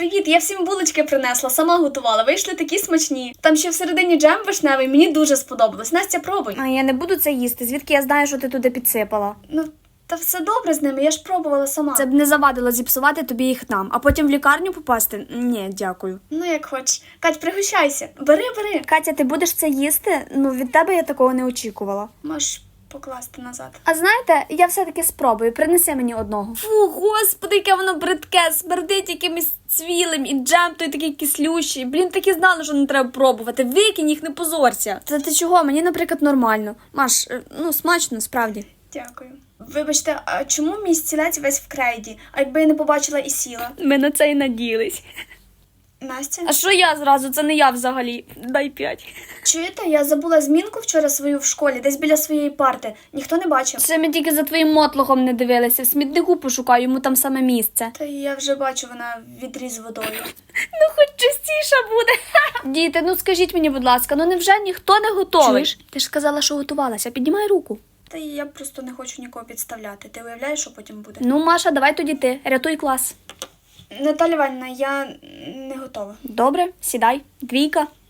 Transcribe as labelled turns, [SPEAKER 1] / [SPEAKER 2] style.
[SPEAKER 1] Привіт, я всім булочки принесла, сама готувала, вийшли такі смачні. Там ще всередині джем вишневий, мені дуже сподобалось. Настя, пробуй.
[SPEAKER 2] А я не буду це їсти, звідки я знаю, що ти туди підсипала?
[SPEAKER 1] Ну, та все добре з ними, я ж пробувала сама.
[SPEAKER 2] Це б не завадило зіпсувати тобі їх там, а потім в лікарню попасти? Ні, дякую.
[SPEAKER 1] Ну, як хочеш. Кать, пригощайся. Бери.
[SPEAKER 2] Катя, ти будеш це їсти? Ну, від тебе я такого не очікувала.
[SPEAKER 1] Можеш покласти назад.
[SPEAKER 2] А знаєте, я все-таки спробую, принеси мені одного. Фу, господи, яке воно бридке, смердить якимось цвілим, і джем той такий кислющий. Блін, так і знала, що не треба пробувати. Викинь їх, не позорся. Та ти чого? Мені, наприклад, нормально. Маш, ну, смачно, справді.
[SPEAKER 1] Дякую. Вибачте, а чому мій стілець весь в крейді? А якби я не побачила і сіла?
[SPEAKER 2] Ми на це й наділись.
[SPEAKER 1] Настя?
[SPEAKER 2] А що я зразу? Це не я взагалі. Дай 5.
[SPEAKER 1] Чуєте, я забула змінку вчора свою в школі, десь біля своєї парти. Ніхто не бачив.
[SPEAKER 2] Ще ми тільки за твоїм мотлохом не дивилися. В смітнику пошукаю, йому там саме місце.
[SPEAKER 1] Та я вже бачу, вона в відрі з водою.
[SPEAKER 2] Ну, хоч частіше буде. Діти, ну скажіть мені, будь ласка, ну невже ніхто не готовий?
[SPEAKER 1] Чуєш?
[SPEAKER 2] Ти ж сказала, що готувалася. Піднімай руку.
[SPEAKER 1] Та я просто не хочу нікого підставляти. Ти уявляєш, що потім буде?
[SPEAKER 2] Ну, Маша, давай тоді ти. Рятуй клас.
[SPEAKER 1] Наталя Іванівна, я не готова.
[SPEAKER 2] Добре, сідай. 2.